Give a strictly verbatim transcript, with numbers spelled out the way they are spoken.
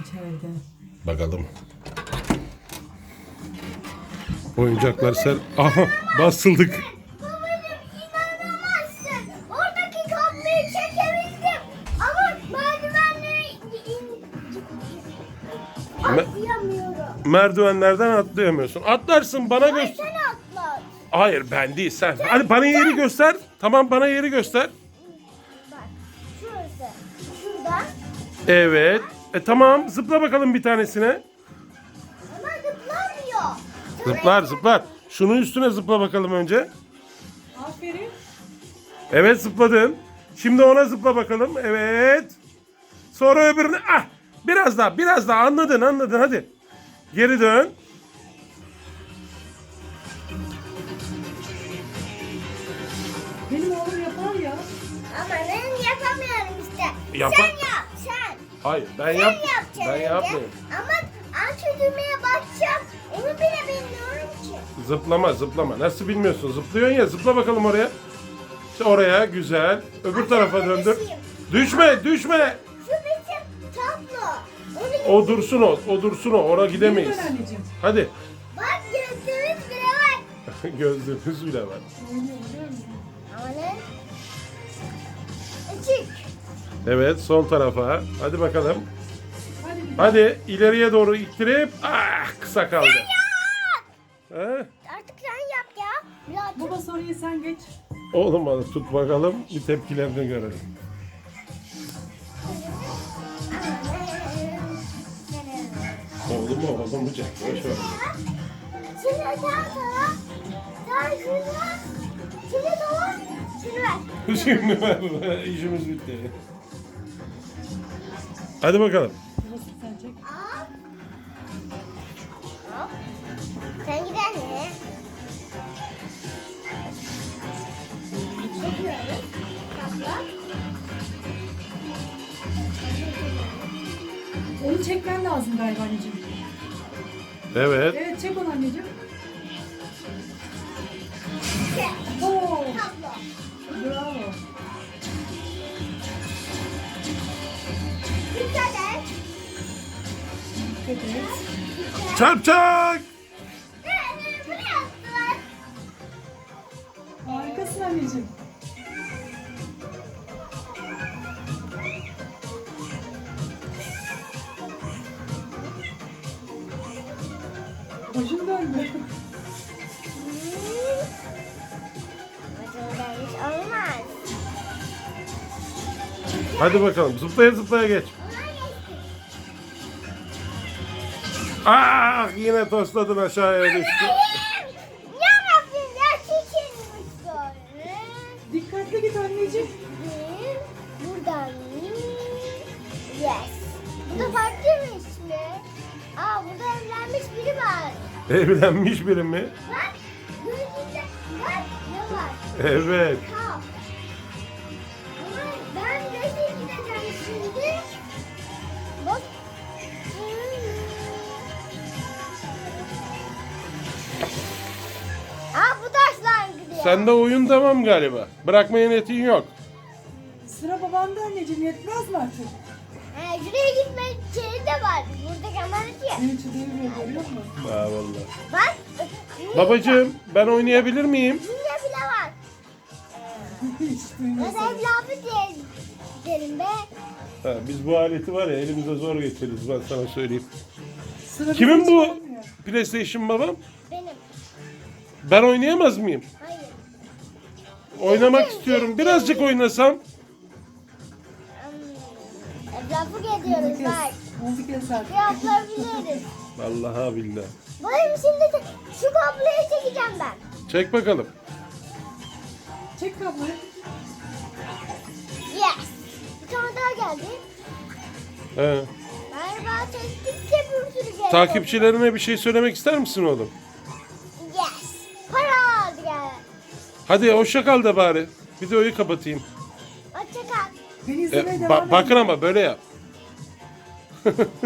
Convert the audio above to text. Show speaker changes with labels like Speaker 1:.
Speaker 1: içeride.
Speaker 2: Bakalım. Oyuncaklar ser... Aha basıldık.
Speaker 3: Babacım inanamazsın. Oradaki kapıyı çekebildim. Ama merdivenleri in... atlayamıyorum.
Speaker 2: Merdivenlerden atlayamıyorsun. Atlarsın bana
Speaker 3: Ay
Speaker 2: göster.
Speaker 3: sen atla.
Speaker 2: Hayır ben değil sen. Hadi bana yeri göster. Tamam bana yeri göster.
Speaker 3: Bak şurası. Şuradan.
Speaker 2: Evet. E tamam zıpla bakalım bir tanesine.
Speaker 3: Ama zıplamıyor.
Speaker 2: Zıplar zıplar. Şunun üstüne zıpla bakalım önce.
Speaker 1: Aferin.
Speaker 2: Evet zıpladın. Şimdi ona zıpla bakalım. Evet. Sonra öbürüne. Ah! Biraz daha, biraz daha. Anladın, anladın. Hadi. Geri dön.
Speaker 1: Benim oğlum yapar ya.
Speaker 3: Ama ben yapamıyorum işte.
Speaker 2: Yapa-
Speaker 3: Sen yap sen.
Speaker 2: Hayır, ben
Speaker 3: Sen
Speaker 2: yap.
Speaker 3: yapacaksın
Speaker 2: Ben
Speaker 3: önce.
Speaker 2: yapmayayım.
Speaker 3: Ama aç düğmeye basacağım. Onu bile bilmiyorum ki.
Speaker 2: Zıplama, zıplama. Nasıl bilmiyorsun? Zıplıyorsun ya. Zıpla bakalım oraya. İşte oraya güzel. Öbür tarafa döndür. Düşme, düşme.
Speaker 3: Şu bizim tablo. Onu
Speaker 2: O dursun o. O dursun o. Oraya gidemeyiz.
Speaker 1: Geri dön anneciğim.
Speaker 2: Hadi.
Speaker 3: bak gözümüz bile var.
Speaker 2: Gözlüğümüz bile var.
Speaker 1: Oynuyor biliyor musun?
Speaker 3: Ama ne? Açık.
Speaker 2: Evet, sol tarafa. Hadi bakalım.
Speaker 1: Hadi bir
Speaker 2: Hadi ileriye doğru ittirip ah kısa kaldı. Ha?
Speaker 3: Artık sen yap ya. Birazcık.
Speaker 1: Baba soruyu sen geç.
Speaker 2: Oğlum hadi tut bakalım. Bir tepkilerini görelim. Oğlum mu oğlum mu Jack? Boş ver.
Speaker 3: Şimdi sen sana. Sen şunu. Şimdi tamam. Şimdi ver.
Speaker 2: Şimdi ver. İşimiz bitti. Hadi bakalım.
Speaker 1: Babası sen çek.
Speaker 3: Al. Hop. Sen gider mi? Çekiyoruz. Kapla.
Speaker 1: Onu çekmen lazım galiba anneciğim.
Speaker 2: Evet.
Speaker 1: Evet çek onu anneciğim.
Speaker 3: Çek.
Speaker 1: Oo,
Speaker 3: Kapla.
Speaker 1: bravo.
Speaker 3: Dikkat et.
Speaker 1: Dikkat et.
Speaker 2: Çarp çak.
Speaker 3: Evet, bunu yaptılar.
Speaker 1: Harikasın anneciğim. Başım döndü.
Speaker 3: Hiç olmaz.
Speaker 2: Hadi bakalım. Zıplaya zıplaya geç.
Speaker 3: Onlar geçti.
Speaker 2: Ah yine tosladın aşağıya düştü.
Speaker 3: Hayır. Ya Rabbim ya çekilmiş böyle.
Speaker 1: Dikkatli git anneciğim.
Speaker 3: Bir, buradan. Yes. Bu da farklıymış mi? Aa burada evlenmiş biri var.
Speaker 2: Evlenmiş biri mi?
Speaker 3: Bak gözünde bak ne var?
Speaker 2: Evet.
Speaker 3: Kap. Ama ben nereye gideceğim şimdi? Bak. Aa bu taşlar gidiyor.
Speaker 2: Sende oyun tamam galiba. Bırakmaya niyetin yok.
Speaker 1: Sıra babanda anneciğim, yetmez mi artık?
Speaker 3: He, şuraya gitme şeyi de var. Burada kamera diye.
Speaker 1: Seni çiğdemiyor, görüyor musun?
Speaker 2: Ha vallahi.
Speaker 3: Bak.
Speaker 2: Babacığım ben oynayabilir miyim?
Speaker 3: Dünya bile var.
Speaker 1: Hiç duymuyorsun.
Speaker 3: Mesela evladı diye derim be.
Speaker 2: Ha, biz bu aleti var ya elimize zor getiririz ben sana söyleyeyim.
Speaker 1: Sıra
Speaker 2: Kimin
Speaker 1: bize
Speaker 2: bu
Speaker 1: hiç gelmiyor.
Speaker 2: PlayStation babam?
Speaker 3: Benim.
Speaker 2: Ben oynayamaz mıyım?
Speaker 3: Hayır.
Speaker 2: Oynamak istiyorum. Birazcık oynasam.
Speaker 3: Hmm, Etrafı geziyoruz bak.
Speaker 1: Müzik yasak.
Speaker 3: Yapabiliriz.
Speaker 2: Vallahi billahi.
Speaker 3: Bayım şimdi de şu kabloyu çekeceğim ben.
Speaker 2: Çek bakalım.
Speaker 1: Çek kabloyu.
Speaker 3: Yes. Bir tane daha geldi.
Speaker 2: He.
Speaker 3: Galiba çektikçe bir sürü geldi.
Speaker 2: Takipçilerine bir şey söylemek ister misin oğlum?
Speaker 3: Yes. Para aldı gel.
Speaker 2: Hadi hoşça kal da bari. Videoyu kapatayım.
Speaker 3: Hoşça kal.
Speaker 1: Beni
Speaker 2: E,
Speaker 1: izlemeye
Speaker 2: ba-
Speaker 1: devam edin.
Speaker 2: bakın ama böyle yap.